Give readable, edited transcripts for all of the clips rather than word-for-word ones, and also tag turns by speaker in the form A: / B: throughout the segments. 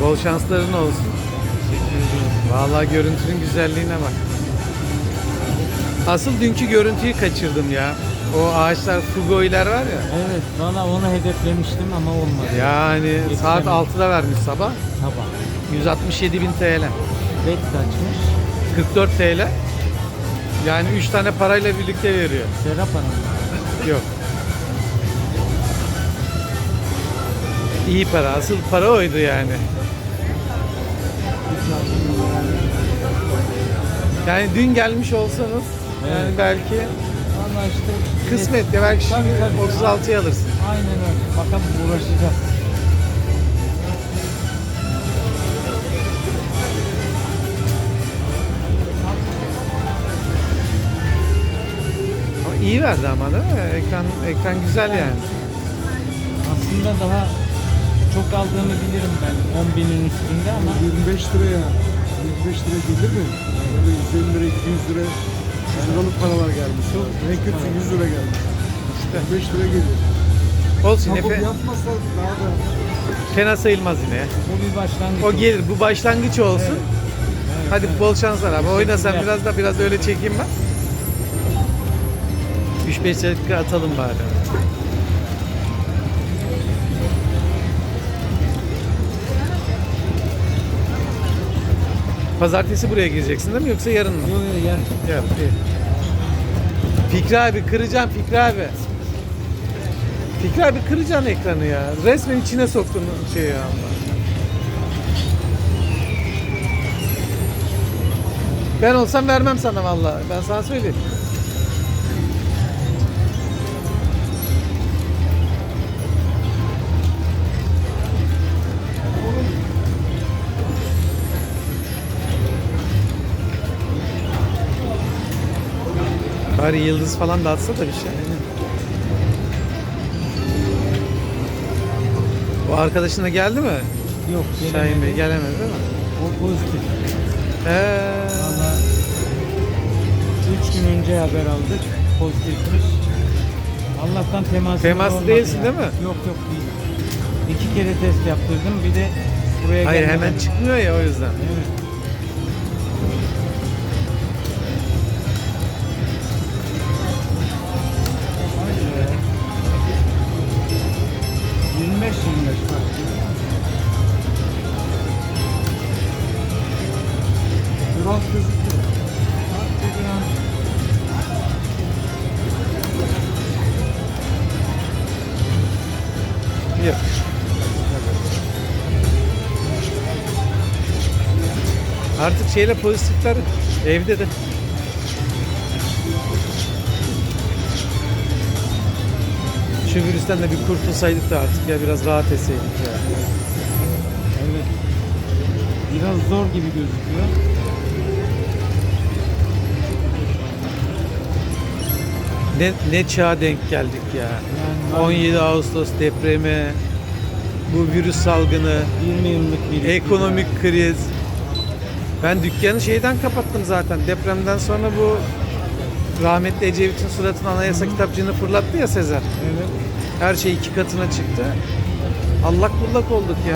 A: Bol şansların olsun.
B: Teşekkür ediyorum.
A: Vallahi görüntünün güzelliğine bak. Asıl dünkü görüntüyü kaçırdım ya. O ağaçlar, fugoiler var ya.
B: Evet, valla onu hedeflemiştim ama olmadı.
A: Yani saat
B: Yetişemedim.
A: 6'da vermiş sabah.
B: Sabah.
A: 167.000 TL.
B: Bet kaçmış?
A: 44 TL. Yani 3 tane parayla birlikte veriyor.
B: Serap Hanım.
A: Yok. İyi para. Asıl para oydu yani. Yani dün gelmiş olsanız yani
B: Evet.
A: belki
B: Valla işte.
A: kısmet ya belki şimdi
B: Tabii, tabii.
A: 36'ya alırsın.
B: Aynen öyle. Bakalım uğraşacağız.
A: Ama iyi verdi ama değil mi? Ekran güzel yani.
B: Aslında daha çok aldığını bilirim ben. 10.000'in üstünde ama
C: 25 liraya 25 lira gelir mi? Böyle 150 lira 200 lira 100 liralık paralar gelmiş. O en kötüsü 100 lira gelmiş. 25 lira geliyor.
A: Olsun
C: Ama
A: yine
C: bu yapmazsa daha da
A: fena sayılmaz yine ya.
B: bu bir başlangıç.
A: O gelir. Bu başlangıç olsun.
B: Evet,
A: Hadi
B: evet.
A: bol şanslar abi. Oyna sen
B: Teşekkürler.
A: biraz öyle çekeyim ben. 3-5 dakika atalım bari. Pazartesi buraya gireceksin değil mi yoksa yarın mı?
B: Yok yok yer.
A: Yap, iyi. Fikri abi kıracağım Fikri abi. Fikri abi kıracaksın ekranı ya. Resmen içine soktun şey ya. Ben olsam vermem sana vallahi. Ben sana söyleyeyim. Bari yıldız falan dağıtsa da bir şey. O arkadaşın da geldi mi?
B: Yok.
A: Şahin Bey gelemedi değil mi?
B: O pozitif.
A: Valla
B: 3 gün önce haber aldık. Pozitifmiş. Allah'tan
A: Temaslı
B: olmadı
A: değilsin
B: ya.
A: değil mi?
B: Yok yok değil. 2 kere test yaptırdım. Bir de buraya
A: hayır
B: gelmeden-
A: hemen çıkmıyor ya o yüzden.
B: Evet. Haydi be. 25 bak.
C: biraz gözüküyor.
A: Yok. Artık şeyle pozitifler evde de. Şu virüsten de bir kurtulsaydık da artık ya biraz rahat etseydik ya.
B: Evet. Biraz zor gibi gözüküyor.
A: Ne çağa denk geldik ya.
B: Yani
A: 17 Ağustos depremi, bu virüs salgını,
B: 20 yıllık bir
A: ekonomik kriz. Ben dükkanı şeyden kapattım zaten. Depremden sonra bu rahmetli Ecevit'in suratına anayasa kitapçığını fırlattı ya Sezer.
B: Evet.
A: Her şey 2 katına çıktı. Allak bullak olduk ya.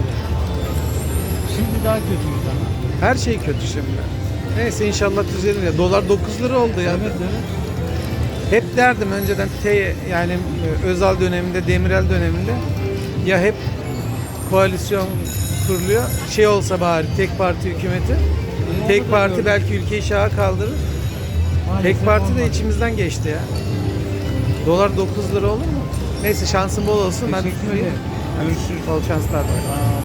B: Şimdi daha kötüyüz ama.
A: Her şey kötü şimdi. Neyse inşallah düzelir ya. Dolar 9 lira oldu ya.
B: Evet evet.
A: Hep derdim önceden yani Özal döneminde, Demirel döneminde ya hep koalisyon kuruluyor. Şey olsa bari tek parti hükümeti. Tek parti belki ülkeyi şaha kaldırır.
B: Maalesef
A: Tek parti de
B: olmadı.
A: içimizden geçti ya. Dolar 9 lira olur mu? Neyse şansın bol olsun. Ben
B: Teşekkür ederim. Görüşürüz.
A: bol şanslar var.